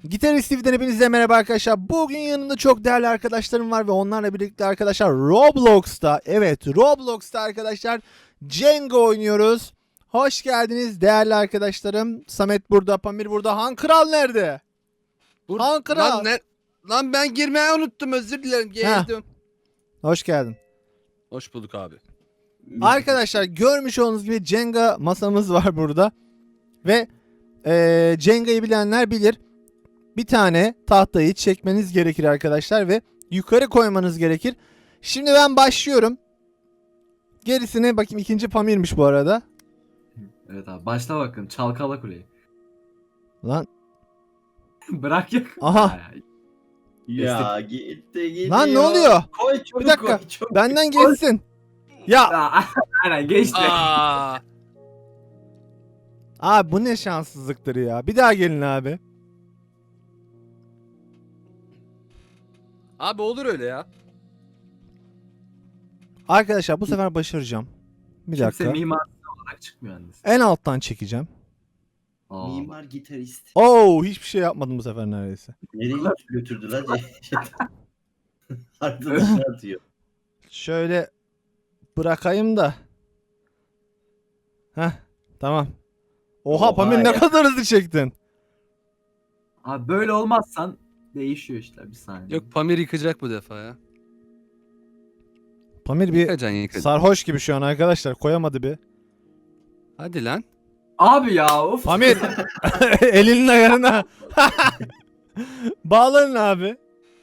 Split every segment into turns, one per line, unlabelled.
Gitarist TV'den hepinize merhaba arkadaşlar. Bugün yanımda çok değerli arkadaşlarım var ve onlarla birlikte arkadaşlar Roblox'ta, evet Roblox'ta arkadaşlar Jenga oynuyoruz. Hoş geldiniz değerli arkadaşlarım. Samet burada, Pamir burada. Han Kral nerede? Han Kral.
Lan ben girmeyi unuttum, özür dilerim. Geldim.
Hoş geldin.
Hoş bulduk abi.
Arkadaşlar görmüş olduğunuz gibi Jenga masamız var burada. Ve Jenga'yı bilenler bilir. Bir tane tahtayı çekmeniz gerekir arkadaşlar ve yukarı koymanız gerekir. Şimdi ben başlıyorum. Gerisine bakayım, ikinci Pamir'miş bu arada.
Evet abi başla bakın çalkala kuleyi.
Lan
Bırak ya.
aha.
Ya gitti.
Lan ne oluyor?
Koy çabuk
Bir dakika.
koy çabuk.
Benden geçsin. Ya
Aynen geçti.
Aa,
abi bu ne şanssızlıktır ya. Bir daha gelin abi.
abi olur öyle ya.
Arkadaşlar bu sefer başaracağım. Bir
Kimse
dakika.
mimar olarak çıkmıyor annesi.
En alttan çekeceğim.
Aa,
Mimar gitarist.
Oo, hiçbir şey yapmadım bu sefer neredeyse.
Nereye götürdü lan? Arkadaşını atıyor.
Şöyle bırakayım da. Heh, tamam. Oha,
Oha
Pamir ne
ya.
kadar hızlı çektin.
Abi böyle olmazsan değişiyor işte bir saniye.
Yok, Pamir yıkacak bu defa ya.
Pamir bir
Yıkacaksın.
sarhoş gibi şu an arkadaşlar, koyamadı bir.
Hadi lan.
Abi ya of.
Pamir elinin ayarına. Bağlanın abi.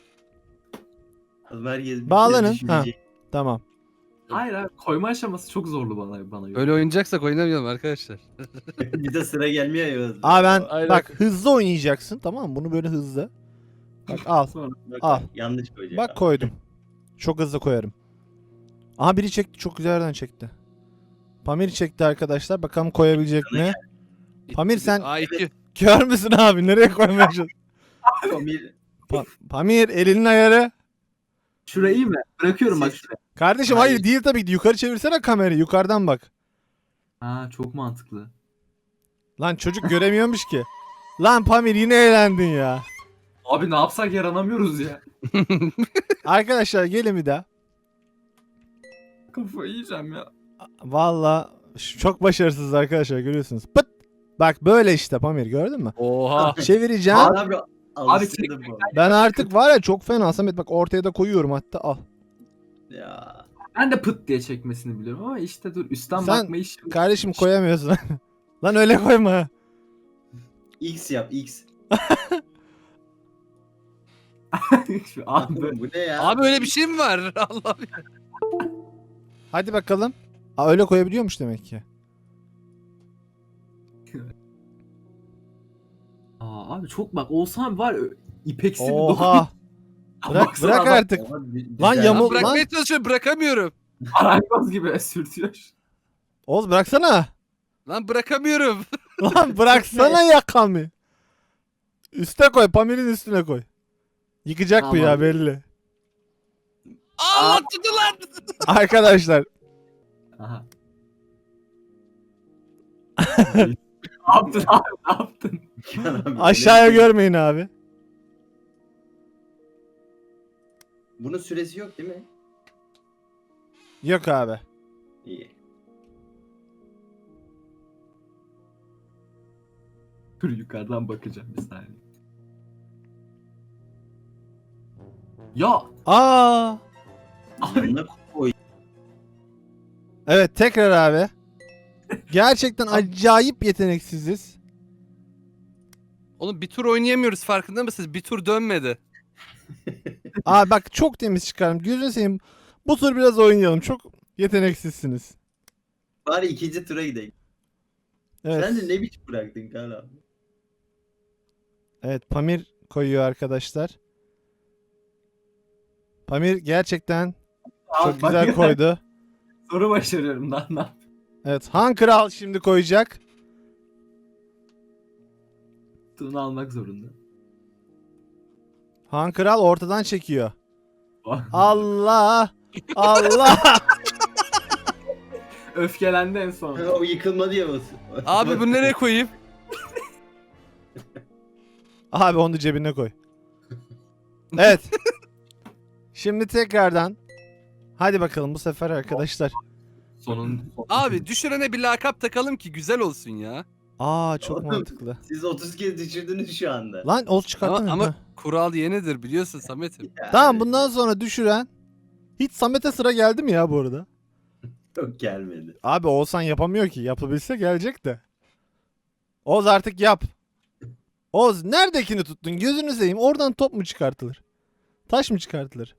Herkes bir
Bağlanın,
kere düşünecek.
Tamam.
Hayır abi koyma aşaması çok zorlu bana göre.
Öyle oynayacaksak oynamayalım arkadaşlar.
Bir de sıra gelmiyor ya.
Abi ben
Aynen.
bak, hızlı oynayacaksın, tamam mı? Bunu böyle hızlı. Bak al.
Sonra
Bak,
al.
yanlış koyacak.
Bak koydum. Çok hızlı koyarım. Aha, biri çekti, çok güzel yerden çekti. Pamir çekti arkadaşlar. Bakalım koyabilecek mi? Pamir sen
A2.
kör müsün abi? Nereye koymaya çalışıyorsun?
Pamir
Pamir elinin ayarı.
şurayı iyi mi? Bırakıyorum bak şuraya.
Kardeşim hayır değil tabii ki. Yukarı çevirsene kamerayı. Yukarıdan bak.
Ha çok mantıklı.
Lan çocuk göremiyormuş ki. Lan Pamir yine eğlendin ya.
Abi ne yapsak yaranamıyoruz ya.
Arkadaşlar gelin bir daha.
Kafayı yiyeceğim ya.
Valla çok başarısız arkadaşlar, görüyorsunuz. Pıt. Bak böyle işte Pamir, gördün mü?
Oha.
Çevireceğim.
abi alıştırdım bu.
Ben artık var ya çok fena Samet, bak ortaya da koyuyorum hatta, al.
Ya.
Ben de pıt diye çekmesini biliyorum ama işte dur üstten
Sen-
bakma iş.
Kardeşim koyamıyorsun. Lan öyle koyma.
X yap X.
Şu an böyle.
Oğlum bu ne ya?
Abi öyle bir şey mi var? Allah.
Hadi bakalım. Aa, öyle koyabiliyormuş demek ki.
Abi çok bak olsam var ipeksi bir
Oha. Bırak,
Baksana
bırak
adam
artık.
Ama güzel.
Lan
Lan
yamul-
bırakmaya çalışıyorum, bırakamıyorum.
Marangoz gibi sürtüyor.
Oğuz bıraksana.
Lan bırakamıyorum.
Lan bıraksana yakamı. Üste koy. Pamir'in üstüne koy. Yıkacak bu ya,
Tamam.
belli.
Allah tuttu lan.
Arkadaşlar.
Aha. Ne yaptın abi ne yaptın?
Abi,
Aşağıya
öyle-
görmeyin abi.
Bunun süresi yok değil mi?
Yok abi.
İyi.
Dur yukarıdan bakacağım bir saniye. Ya
Aa.
abi
Yanına koy.
Evet, tekrar abi. Gerçekten acayip yeteneksiziz.
Oğlum bir tur oynayamıyoruz, farkında mısınız? Bir tur dönmedi.
Aa bak, çok temiz çıkarım. Gözünü seveyim. Bu tur biraz oynayalım. Çok yeteneksizsiniz.
Bari ikinci tura gidelim.
Evet.
Sen de ne biçim bıraktın Kaan abi?
Evet, Pamir koyuyor arkadaşlar. Pamir gerçekten
abi,
çok güzel
bak-
koydu.
Soru başarıyorum lan ne yapayım?
Evet, Han Kral şimdi koyacak.
Bunu almak zorunda.
Han Kral ortadan çekiyor. Allah! Allah!
Öfkelendi en son.
O yıkılma diye basın.
Abi bunu nereye koyayım?
Abi onu cebine koy. Evet. Şimdi tekrardan. Hadi bakalım bu sefer arkadaşlar.
Sonun.
Abi düşürene bir lakap takalım ki güzel olsun ya.
Aa çok
Oğlum,
mantıklı.
Siz 30 kez düşürdünüz şu anda.
Lan Oğuz çıkarttın
Ama
mı?
kural yenidir biliyorsun Samet'im.
Yani
Tamam bundan sonra düşüren. Hiç Samet'e sıra geldi mi ya bu arada?
Yok gelmedi.
Abi Oğuzhan yapamıyor ki. Yapabilse gelecek de. Oğuz artık yap. Oğuz neredekini tuttun? Gözünü seveyim. Oradan top mu çıkartılır? Taş mı çıkartılır?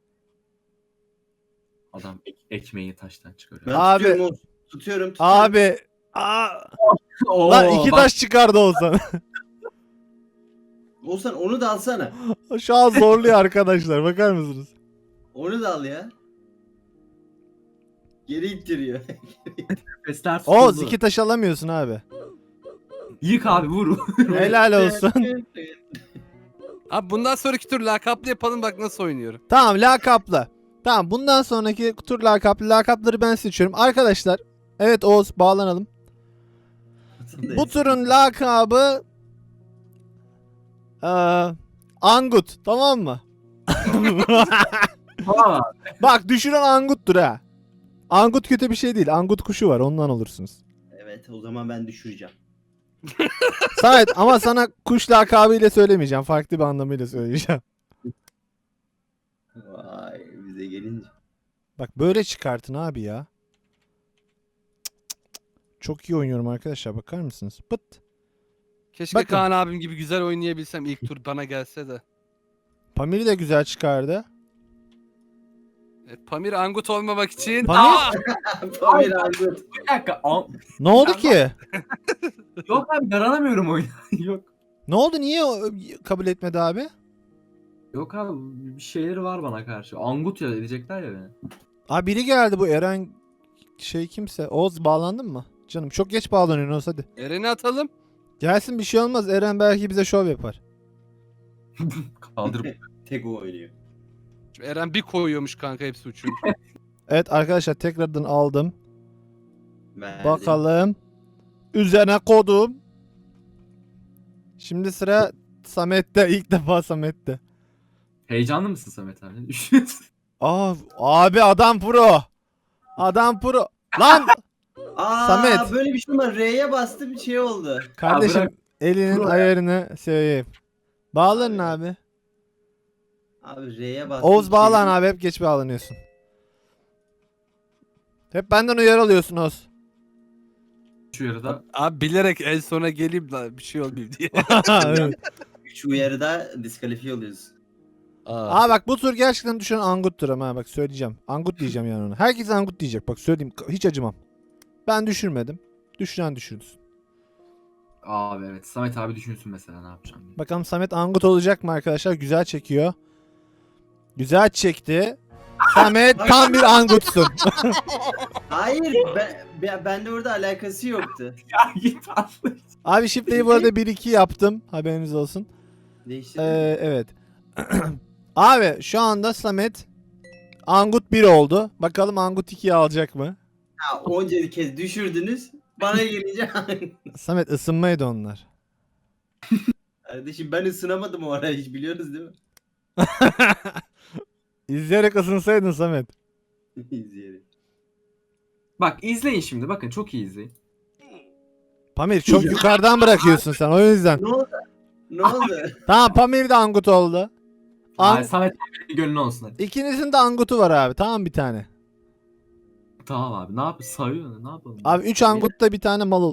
Adam ekmeği taştan çıkarıyor.
Ben
Abi.
tutuyorum Oğuz. Tutuyorum.
Abi. Aa,
Oo,
lan iki
bak,
taş çıkardı Oğuzhan.
Oğuzhan onu da alsana.
Şu an zorluyor arkadaşlar. Bakar mısınız?
Onu da al ya. Geri ittiriyor.
nefesler
Oğuz
tutuldu.
iki taş alamıyorsun abi.
Yık abi vur.
Helal olsun.
Abi bundan sonraki tur lakaplı yapalım bak nasıl oynuyorum.
Tamam lakaplı. Tamam bundan sonraki tur lakaplı. Lakapları ben seçiyorum. Arkadaşlar. Evet Oğuz bağlanalım. Bu turun lakabı Angut. Tamam mı?
Aa,
Bak düşüren Angut'tur ha. Angut kötü bir şey değil. Angut kuşu var ondan olursunuz.
Evet o zaman ben düşüreceğim.
Samet ama sana kuş lakabıyla söylemeyeceğim. Farklı bir anlamıyla söyleyeceğim.
Vay bize gelince.
Bak böyle çıkartın abi ya. Çok iyi oynuyorum arkadaşlar. Bakar mısınız? Pıt.
Keşke
Bakın.
Kaan abim gibi güzel oynayabilsem ilk tur bana gelse de.
Pamir'i de güzel çıkardı.
Pamir Angut olmamak için.
Pamir?
Aa!
Pamir Angut.
bir dakika.
Ne oldu ki?
Yok abi yaranamıyorum oyuna. Yok.
Ne oldu? Niye kabul etmedi abi?
Yok abi bir şeyleri var bana karşı. Angut ya edecekler ya beni.
Abi biri geldi bu Eren şey kimse. Oğuz bağlandın mı? Canım çok geç bağlanıyorsun Oğuz hadi.
Eren'i atalım.
Gelsin bir şey olmaz. Eren belki bize şov yapar.
Kaldırıp.
Tek o oynuyor.
Eren bir koyuyormuş kanka hepsi uçuyor.
Evet arkadaşlar tekrardan aldım.
Verdim.
Bakalım. Üzerine kodum. Şimdi sıra Samet'te. İlk defa Samet'te.
Heyecanlı mısın Samet abi? Ne düşünüyorsun?
Abi adam pro. Adam pro. Lan
Aa,
Samet.
böyle bir şey var. R'ye bastım bir şey oldu.
kardeşim
bırak.
elinin
Pro ya.
ayarını seveyim. Bağlanın abi.
Abi R'ye bastım.
Oğuz
bir
bağlan
şey-
abi hep geç bağlanıyorsun. Hep benden uyarı alıyorsun Oğuz.
Şu yarıda.
Abi bilerek en sona geleyim de bir şey olmayayım diye.
Evet.
3 uyarıda diskalifiye oluyoruz.
Aa bak bu tur gerçekten düşen Angut'tur ama bak söyleyeceğim. Angut diyeceğim yani ona. Herkes Angut diyecek bak söyleyeyim hiç acımam. Ben düşürmedim. Düşüren düşürsün.
Abi evet. Samet abi düşünsün mesela ne yapacağım diye.
Bakalım Samet Angut olacak mı arkadaşlar? Güzel çekiyor. Güzel çekti. Samet tam bir Angut'sun.
Hayır ben de orada alakası yoktu.
Ya git abi.
Abi şifreyi bu arada 1-2 yaptım. Haberiniz olsun.
Değişti.
Evet. Abi şu anda Samet Angut 1 oldu. Bakalım Angut 2'yi alacak mı?
Ha, onca kez düşürdünüz. Bana gelince
Samet ısınmaydı onlar.
kardeşim ben ısınamadım o ara hiç biliyorsunuz değil mi?
İzleyerek ısınsaydın Samet.
İzleyerek.
Bak izleyin şimdi. Bakın çok iyi izleyin.
Pamir çok yukarıdan bırakıyorsun sen o yüzden.
Ne oldu? Ne oldu?
Tamam Pamir de Angut oldu.
Ay, Samet abi gönlün olsun hadi.
İkinizin de Angut'u var abi. Tamam bir tane.
Tamam abi. Ne yap? Sayıyor. Ne yapalım?
Abi 3 Angut'ta bir tane mal ol.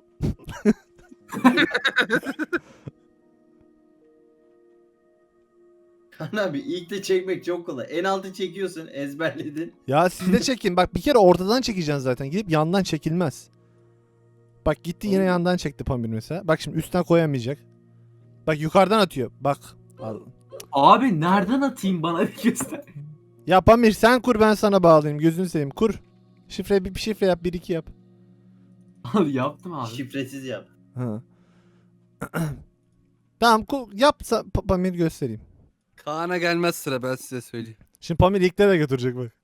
Kan abi ilk de çekmek çok kolay. En altı çekiyorsun ezberledin.
Ya siz de çekin. Bak bir kere ortadan çekeceksin zaten. Gidip yandan çekilmez. Bak gitti yine yandan çekti Pamir mesela. Bak şimdi üstten koyamayacak. Bak yukarıdan atıyor. Bak. Al.
Abi nereden atayım bana bir göster.
Ya Pamir sen kur ben sana bağlayayım. Gözünü seveyim. Kur. Şifre bir şifre yap. 1-2 yap.
Abi yaptım abi.
Şifresiz yap.
Ha. Tamam yap Pamir göstereyim.
Kaan'a gelmez sıra ben size söyleyeyim.
Şimdi Pamir ilklere götürecek bak.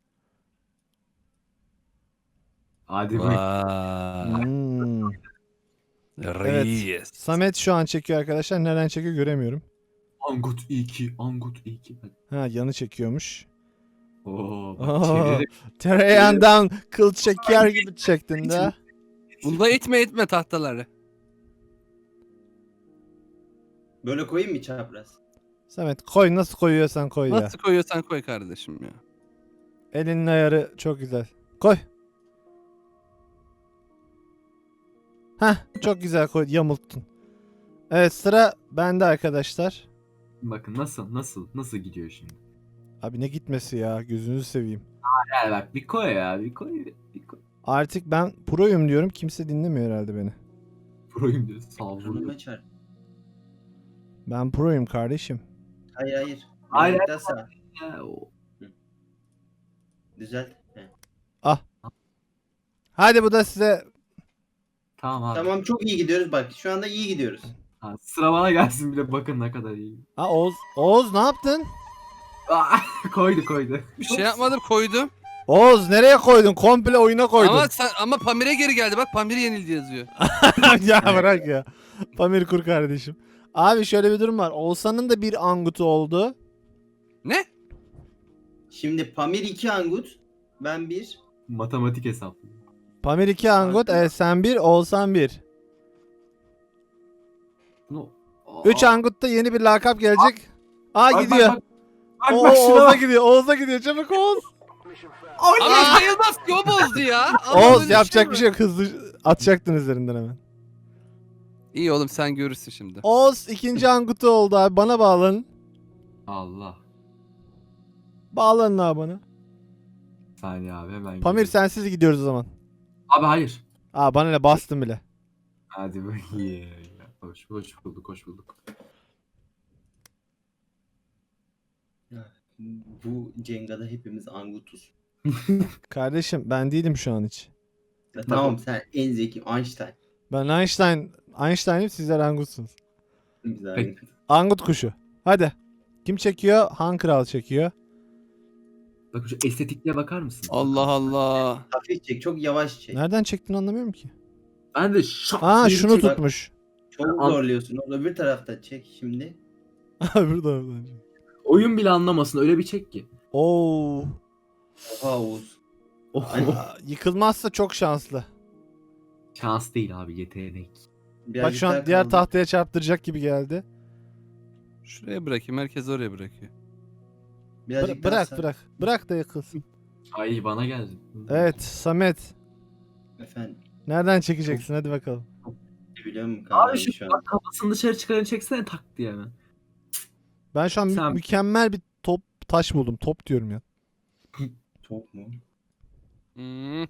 Hadi buyur.
Vay.
Hmm.
Reis.
Samet şu an çekiyor arkadaşlar. Nereden çekiyor göremiyorum.
Angut iyi ki. Angut iyi ki. Hadi.
Ha, yanı çekiyormuş.
Oo, bak
Oo.
çevirerek.
Tereyağından kıl çeker gibi çektin de.
Bunda itme tahtaları.
Böyle koyayım mı çapraz?
Samet koy, nasıl koyuyorsan koy ya.
Nasıl koyuyorsan koy kardeşim ya.
Elinin ayarı çok güzel. Koy. Heh, çok güzel koy, yamulttun. Evet, sıra bende arkadaşlar.
Bakın nasıl gidiyor şimdi.
Abi ne gitmesi ya, gözünüzü seveyim.
Ya bak bir koy ya bir koy. Bir koy.
Artık ben proyum diyorum, kimse dinlemiyor herhalde beni.
Proyum diyor. Sağ ol.
Burnuma çarp.
Ben proyum kardeşim.
Hayır hayır.
Hayır,
Birazcık daha sağ.
Ya, o-
Düzelt. He.
Hadi bu da size.
Tamam abi.
Tamam çok iyi gidiyoruz bak. Şu anda iyi gidiyoruz.
Ha, sıra bana gelsin bile bakın ne kadar iyi.
Ha, Oğuz ne yaptın?
Aa, koydu.
Bir şey yapmadım, koydum.
Oğuz nereye koydun? Komple oyuna koydun.
Ama Pamir'e geri geldi. Bak Pamir yenildi yazıyor.
Ya bırak ya. Pamir kur kardeşim. Abi şöyle bir durum var. Oğuzhan'ın da bir angutu oldu.
Ne?
Şimdi Pamir 2 Angut. Ben 1.
Matematik hesaplı.
Pamir 2 angut. Evet, sen 1, Oğuzhan 1.
No.
3 angutta yeni bir lakap gelecek. Aa, gidiyor.
Bak,
Oo,
bak şuna
Oğuz'a
bak.
gidiyor. Oğuz'a gidiyor. Çabuk Oğuz.
Ama sayılmaz ki, o bozdu ya. Ama
Oğuz
öyle
yapacak
mi?
bir şey yok. Hızlı atacaktın üzerinden hemen.
İyi oğlum, sen görürsün şimdi.
Oğuz ikinci angutu oldu abi. Bana bağlanın.
Allah.
Bağlanın abi bana.
Saniye abi hemen.
Pamir
geliyorum.
sensiz gidiyoruz o zaman.
Abi hayır.
Aa, bana ne, bastım bile.
Hadi bakayım. Hoş bulduk.
Bu Cenga'da hepimiz Angut'uz.
Kardeşim ben değilim şu an hiç.
Ya tamam sen en zeki Einstein.
Ben Einstein'im, sizler angutsunuz.
Biz abi.
Peki.
Angut kuşu. Hadi. Kim çekiyor? Han Kral çekiyor.
Bak şu estetikliğe bakar mısın?
Allah Allah.
Hafif çek çok yavaş çek.
Nereden çektiğini anlamıyorum ki.
Ben de şak
Aa,
diye
şunu
çek-
tutmuş.
Çok zorluyorsun. O öbür tarafta çek şimdi.
Burada.
Oyun bile anlamasın öyle bir çek ki.
Oo.
Oha Oğuz.
Oh.
Aa, yıkılmazsa çok şanslı.
Şans değil abi yetenek.
Bak
Birazcık
şu
daha
an diğer
kaldı.
tahtaya çarptıracak gibi geldi.
Şuraya bırakayım, herkes oraya bırakıyor.
Birazcık daha
Bırak
sağ.
bırak. Bırak da yıkılsın.
Ay bana geldi.
Evet Samet.
Efendim.
Nereden çekeceksin? Hadi bakalım.
Biliyor musun
Abi
kanka
şu
şu an?
bak kafasını dışarı çıkarın çeksene tak diye hemen.
Ben şu an
Sen-
mükemmel bir taş buldum. Top diyorum ya.
Top mu?
Hmm.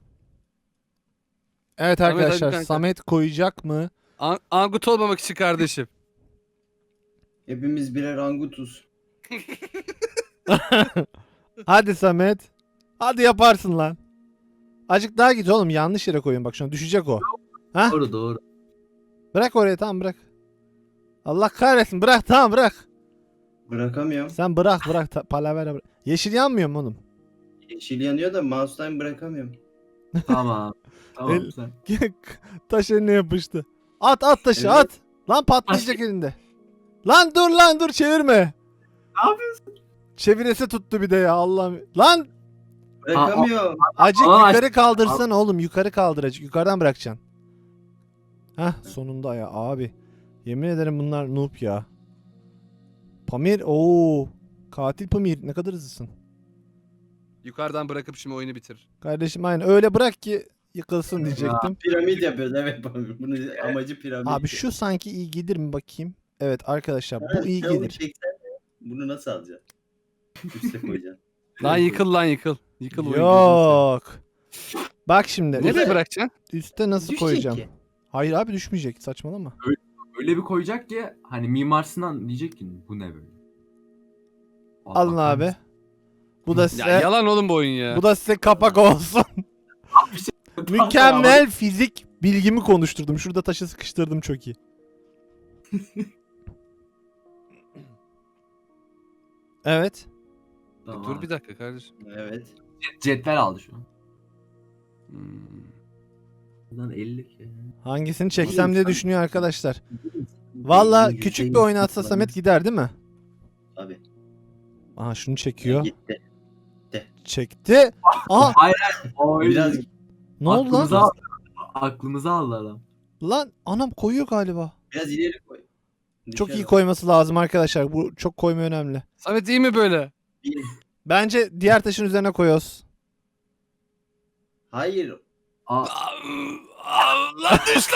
Evet
Samet, hadi
arkadaşlar,
kanka.
Samet koyacak mı?
Angut olmamak için kardeşim.
Hepimiz birer Angut'uz.
Hadi Samet. Hadi yaparsın lan. Azıcık daha git oğlum, yanlış yere koyun bak, şu an düşecek o. Ha?
Doğru.
Bırak oraya, tamam bırak. Allah kahretsin, bırak, tamam bırak.
Bırakamıyorum.
Sen bırak palavera bırak. Yeşil yanmıyor mu oğlum?
Yeşil yanıyor da mouse'dan bırakamıyorum.
Tamam. Tamam
El-
sen.
Taş eline yapıştı. At taşı
Evet.
at. Lan patlayacak elinde. Lan dur çevirme.
Ne yapıyorsun?
Çeviresi tuttu bir de ya, Allah'ım. Lan
Bırakamıyorum.
acık
Aa,
yukarı kaldırsan oğlum, yukarı kaldır acık, yukarıdan bırakacaksın. Hah, sonunda ya abi. Yemin ederim bunlar noob ya. Pamir, katil Pamir, ne kadar hızlısın.
Yukarıdan bırakıp şimdi oyunu bitir.
Kardeşim aynen öyle bırak ki yıkılsın diyecektim.
Piramit yapıyoruz evet. Bunun amacı piramit.
Abi şu sanki iyi gelir mi bakayım. Evet arkadaşlar,
Ha,
bu iyi
sen onu
gelir.
çeksen de Bunu nasıl alacaksın? Üste koyacaksın.
Lan yıkıl. Yıkıl oyunu.
Yok. Bak şimdi
Nereye
Burada-
bırakacaksın?
üste nasıl
Düşecek
koyacağım?
ki.
Hayır abi, düşmeyecek, saçmalama.
Öyle bir koyacak ki hani Mimar Sinan diyecek ki bu ne böyle?
Alın
bakar
abi.
mısın?
Bu da
Ya
size
yalan oğlum bu oyun ya.
bu da size kapak olsun. Mükemmel fizik bilgimi konuşturdum. Şurada taşı sıkıştırdım, çok iyi. Evet.
Tamam.
Dur bir dakika kardeşim.
Evet.
Cetvel aldı şu an.
Hmm.
Lan 50 ki.
Hangisini çeksem diye düşünüyor arkadaşlar. Valla küçük bir oynatsa Samet gider değil mi?
Abi.
Aha şunu çekiyor.
Gitti.
Çekti. Aha
Oy.
ne
Biraz
oldu
Aklımızı
lan?
aldı. Aklımızı aldı adam.
Lan anam koyuyor galiba.
biraz ileri koy.
Çok
Düşer
iyi
o.
koyması lazım arkadaşlar. Bu çok koyma önemli.
Samet iyi mi böyle?
Bir-
Bence diğer taşın üzerine koyuyoruz.
Hayır.
Aa,
Lan düştü.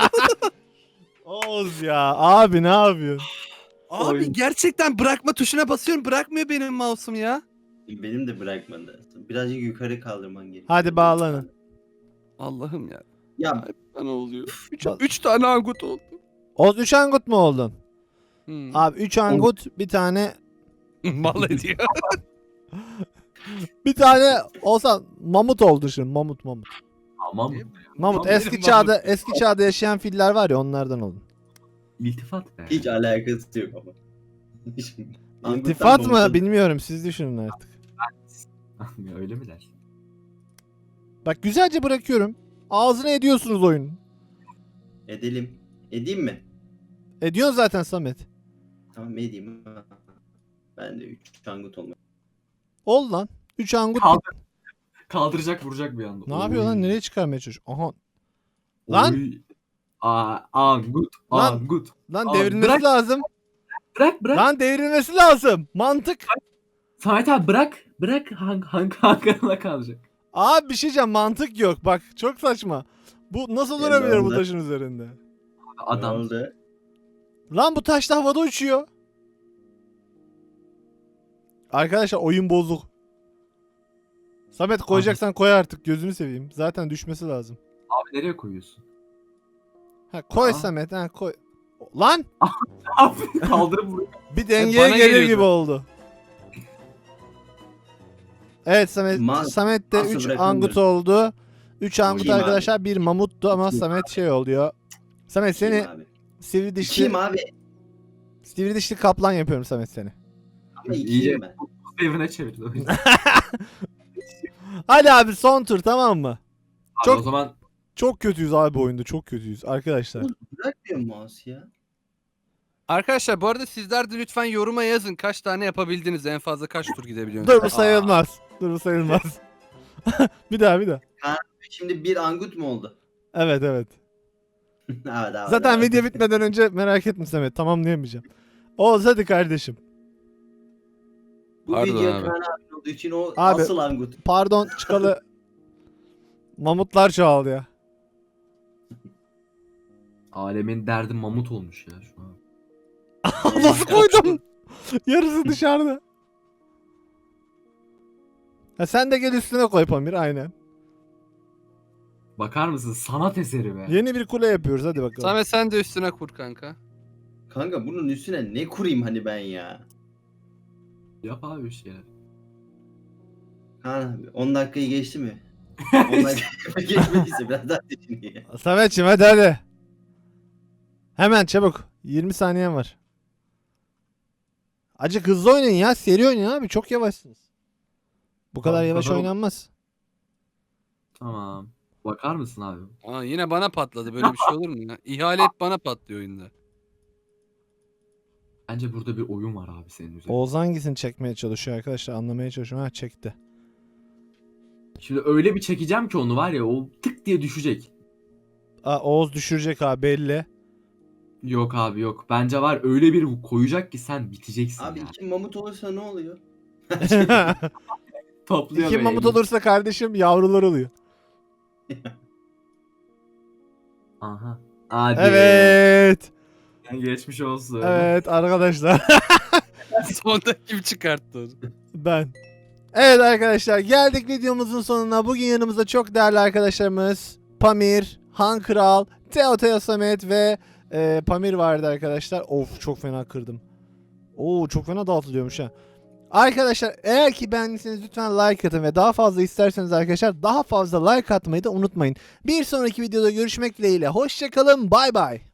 Oğuz ya abi ne yapıyorsun?
Abi
Oyun.
gerçekten bırakma tuşuna basıyorum. Bırakmıyor benim mouse'um ya.
Benim de bırakmadı. Birazcık yukarı kaldırman gerekiyor.
Hadi bağlanın.
Allah'ım ya.
Ya
Bana oluyor.
Bak-
3 tane angut oldu.
Oğuz 3 angut mu oldun?
Hmm.
Abi 3 angut bir tane
Mal ediyor.
olsa mamut oldu şimdi mamut.
tamam.
Mamut
Tam
eski
benim
çağda
mamut.
eski çağda yaşayan filler var ya onlardan olun.
İltifat be.
hiç alakası yok ama. Angut'tan
İltifat mı
Mahmut'a-
bilmiyorum siz düşünün artık.
Ya öyle mi dersin?
Bak güzelce bırakıyorum. Ağzına ediyorsunuz oyun.
Edelim. Edeyim mi?
Ediyorsun zaten Samet.
Tamam edeyim. Ben de 3 angut olmak.
Ol lan. 3 angut.
Kaldıracak vuracak bir anda.
Ne yapıyor lan? Nereye çıkarmaya çalışıyor? Aha. Lan!
Lan. Angut.
Lan!
Angut.
Lan
Abi
devrilmesi
bırak.
lazım.
Bırak.
Lan devrilmesi lazım. Mantık.
Samet abi bırak. Bırak hangarına kalacak.
Abi bir şey diyeceğim. Mantık yok. Bak çok saçma. Bu nasıl
Ya
durabilir
ben
bu
de-
taşın üzerinde?
Adam.
Ne oldu?
Lan bu taş da havada uçuyor. Arkadaşlar oyun bozuk. Samet koyacaksan koy artık gözünü seveyim. Zaten düşmesi lazım.
Abi nereye koyuyorsun?
Ha koy
Aa.
Samet ha koy. Lan
Abi kaldırıp vuruyor.
bir dengeye
bana
gelir
geliyordu.
gibi oldu. Evet Samet Samet de
Nasıl
3
bırakılmıyor?
angut oldu. 3 angut
Kim abi?
arkadaşlar bir mamuttu ama Samet şey oluyor. Samet
Kim
seni
abi?
sivri dişli
Kim abi?
sivri dişli kaplan yapıyorum Samet seni.
Ama
İyice-
ikiyim ben.
Evine çevirdi o yüzden.
Hadi abi son tur tamam mı?
Abi
Çok-
o zaman
Çok kötüyüz abi bu oyunda çok kötüyüz arkadaşlar.
Oğlum bırakmıyor mouse ya.
Arkadaşlar bu arada sizler de lütfen yoruma yazın. Kaç tane yapabildiniz? En fazla kaç tur gidebiliyorsunuz?
Dur bu sayılmaz. Dur bu sayılmaz. bir daha.
Şimdi bir angut mu oldu?
Evet.
Evet, abi,
Zaten
abi.
video bitmeden önce merak etme Samet tamamlayamayacağım. Oğuz hadi kardeşim.
Bu
Pardon
video
abi.
Kaan abi olduğu için o
Abi.
asıl angut.
Pardon çıkalı mamutlar çoğaldı ya.
alemin derdi mamut olmuş ya şu an.
Nasıl koydum? Yarısı dışarıda. Ha sen de gel üstüne koy Pamir aynen.
Bakar mısın? Sanat eseri be.
Yeni bir kule yapıyoruz hadi bakalım.
Samet sen de üstüne kur kanka.
Kanka bunun üstüne ne kurayım hani ben ya?
Yap abi bir şeyler.
Kaan abi 10 dakikayı geçti mi? 10 dakika geçmediyse biraz daha düşünün ya.
Samet'ciğim hadi. Hemen çabuk. 20 saniyen var. Acık hızlı oynayın ya. Seri oynayın abi. Çok yavaşsınız. Bu kadar
Abi,
yavaş
kadar-
oynanmaz.
Tamam. Bakar mısın abi?
Aa, yine bana patladı. Böyle bir şey olur mu ya? İhale hep bana patlıyor oyunda.
Bence burada bir oyun var abi senin üzerinde.
Oğuz hangisini çekmeye çalışıyor arkadaşlar? Anlamaya çalışıyorum. Ha çekti.
Şimdi öyle bir çekeceğim ki onu var ya o tık diye düşecek.
Aa, Oğuz düşürecek abi belli.
Yok abi yok. Bence var öyle bir koyacak ki sen biteceksin
Abi
ya.
iki mamut olursa ne oluyor?
Topluyor
İki
böyle
mamut
elini.
olursa kardeşim yavrular oluyor.
Aha. Hadi.
Evet.
Geçmiş olsun.
Evet arkadaşlar.
Sonunda kim çıkarttı onu?
Ben. Evet arkadaşlar geldik videomuzun sonuna. Bugün yanımızda çok değerli arkadaşlarımız Pamir, Han Kral, Teo Samet ve Pamir vardı arkadaşlar. Of çok fena kırdım. Oo çok fena dağıtılıyormuş ha. Arkadaşlar eğer ki beğendiyseniz lütfen like atın ve daha fazla isterseniz arkadaşlar daha fazla like atmayı da unutmayın. Bir sonraki videoda görüşmek dileğiyle. Hoşçakalın. Bay bay.